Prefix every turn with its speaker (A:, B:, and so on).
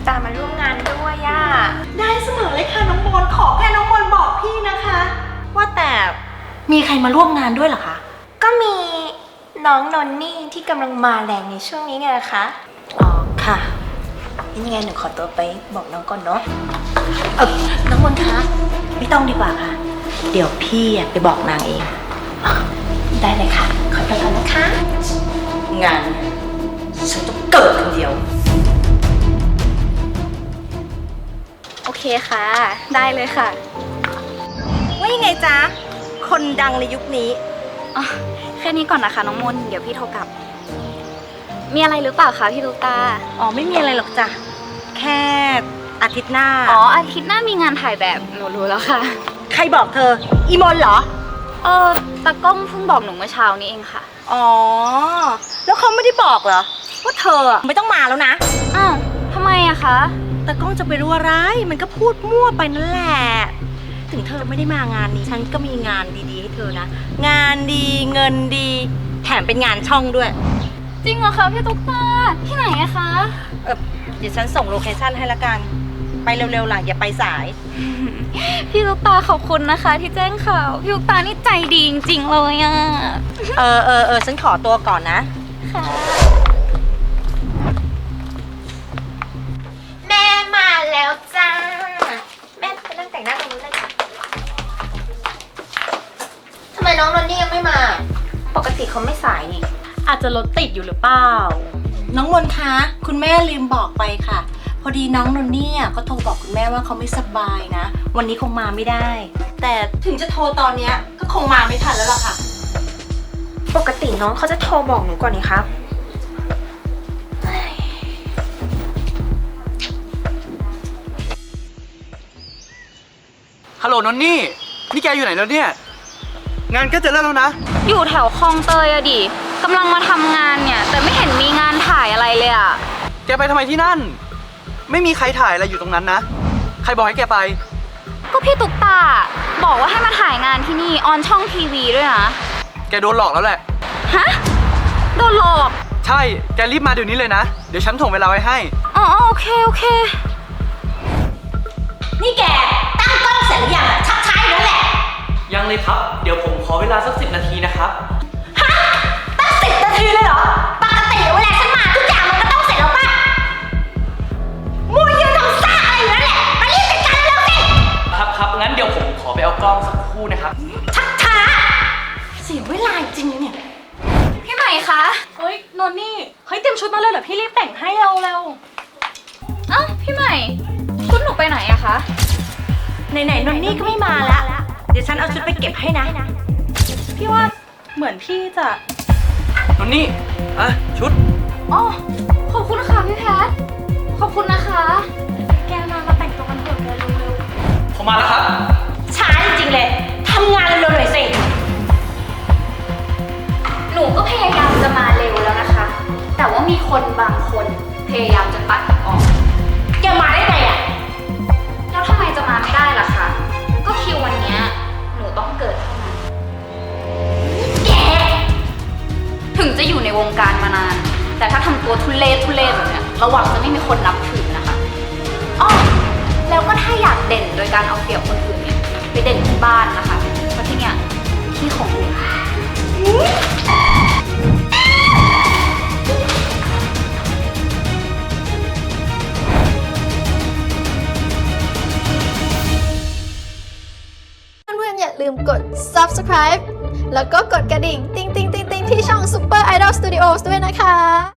A: ตามาร่วมงานด้วยย่า
B: ได้เสมอเลยค่ะน้องมนขอแค่น้องมนบอกพี่นะคะ ว่าแต่มีใครมาร่วมงานด้วยเหรอคะ
A: ก็มีน้องนนนี่ที่กำลังมาแรงในช่วงนี้ไงนะคะ
B: อ๋อค่ะ
A: ยังไงหนูขอตัวไปบอกน้องก่อนเนาะ
B: น้องมนคะไม่ต้องดีกว่าค่ะเดี๋ยวพี่ไปบอกนางเอง
A: ได้เลยค่ะขอตัวก่อนนะคะ
B: งานฉันต้องเกิดคนเดียว
C: โอเคค่ะได้เลยค่ะ
B: ว่ายังไงจ๊ะคนดังในยุคนี้
C: อ๋อแค่นี้ก่อนนะคะน้องมนเดี๋ยวพี่โทรกลับมีอะไรหรือเปล่าคะพี่ตุ๊กตา
B: อ๋อไม่มีอะไรหรอกจ้ะแค่อาทิตย์หน้า
C: อ๋ออาทิตย์หน้ามีงานถ่ายแบบหนูรู้แล้วค่ะ
B: ใครบอกเธออีมนเหรอ
C: ตากล้องเพิ่งบอกหนูเมื่อเช้านี้เองค่ะ
B: อ๋อแล้วเขาไม่ได้บอกเหรอว่าเธอไม่ต้องมาแล้วนะ
C: อ้าวทำไมอะคะ
B: ตากล้องจะไปรู้อะไรมันก็พูดมั่วไปนั่นแหละถึงเธอไม่ได้มางานนี้ฉันก็มีงานดีๆให้เธอนะงานดีเงินดีแถมเป็นงานช่องด้วย
C: จริงเหรอคะพี่ตุ๊กตาที่ไหนอะคะ
B: เดี๋ยวฉันส่งโลเคชั่นให้ละกันไปเร็วๆล่ะอย่าไปสาย
C: พี่ตุ๊กตาขอบคุณนะคะที่แจ้งข่าวพี่ตุ๊กตานี่ใจดีจริงๆเลยอะ
B: ฉันขอตัวก่อนนะ
C: ค่ะ
A: แม่มาแล้วจ้าแม่ไปนั่งแต่งหน้าตรงนู้นเลยค่ะทำไมน้องนนนี่ยังไม่มาปกติเขาไม่สายนี่
B: อาจจะรถติดอยู่หรือเปล่าน้องมนคะคุณแม่ลืมบอกไปค่ะพอดีน้องนนนี่เขาโทรบอกคุณแม่ว่าเขาไม่สบายนะวันนี้คงมาไม่ได้แต่ถึงจะโทรตอนนี้ก็คงมาไม่ทันแล้วล่ะค่ะ
A: ปกติน้องเขาจะโทรบอกหนูก่อนนี่ครับ
D: ฮัลโหลนนนี่แกอยู่ไหนแล้วเนี่ยงานก็จะเริ่มแล้วนะ
C: อยู่แถวคลองเตยอะดิกำลังมาทำงานเนี่ยแต่ไม่เห็นมีงานถ่ายอะไรเลยอะ
D: แกไปทำไมที่นั่นไม่มีใครถ่ายอะไรอยู่ตรงนั้นนะใครบอกให้แกไป
C: ก็พี่ตุ๊กตาบอกว่าให้มาถ่ายงานที่นี่ออนช่องทีวีด้วยนะ
D: แกโดนหลอกแล้วแหละ
C: ฮะโดนหลอก
D: ใช่แกรีบมาเดี๋ยวนี้เลยนะเดี๋ยวฉันถ่วงเวลาไว้ให้
C: อ๋อโอเค
B: นี่แกตั้งกล้องเสร็จหรือยังชักช้าอยู่นั่นแหละ
D: ยังเลยครับเดี๋ยวผมขอเวลาสัก10 นาทีนะครับ
B: ฮะตั้ง10 นาทีเลยเหรอปกติเวลาฉันมาทุกอย่างมันก็ต้องเสร็จแล้วป่ะมัวยืนทำซ่าอะไรอยู่นั่นแหละมารีบจัดการแล้วสิ
D: ครับงั้นเดี๋ยวผมขอไปเอากล้องสักครู่นะครับ
B: ชักช้าเสียเวลาจริงเนี่ย
C: พี่ใหม่คะ
B: เฮ้ยนนนี่เฮ้ยเตรียมชุดมาเลยเหรอพี่รีบแต่งให้เร็ว
C: เอ้าพี่ใหม่ชุดหนูไปไหนอะคะ
B: ไหนนนนี่ก็ไม่มาแล้วเดี๋ยวฉันเอาชุดไปเก็บให้นะพี่ว่าเหมือนพี่จะ
D: นนนี่ชุด
C: อ๋อขอบคุณค่ะพี่แพทขอบคุณนะคะ
B: แกมาแต่งตัวกันเถอะแกเร็ว
D: ๆผมมาแล้วครับ
B: ช้าจริงๆเลยทำงานเร็วๆหน่อยสิ
C: หนูก็พยายามจะมาเร็วแล้วนะคะแต่ว่ามีคนบางคนพยายามจะปัดออก
B: แกมาได้ไงอะ
C: แล้วทำไมจะมาไม่ได้ล่ะคะก็คิววันนี้หนูต้องเกิดเท่านั้น
B: แก
C: ถึงจะอยู่ในวงการมานานแต่ถ้าทำตัวทุเรศแบบเนี้ยระวังจะไม่มีคนนับถือนะคะอ้อแล้วก็ถ้าอยากเด่นโดยการเอาเปรียบคนอื่นเนี่ยไปเด่นที่บ้านนะคะเพราะที่เนี่ยที่ของหนู
E: อย่าลืมกด subscribe แล้วก็กดกระดิ่งติ๊งๆๆๆที่ช่อง Super Idol Studios ด้วยนะคะ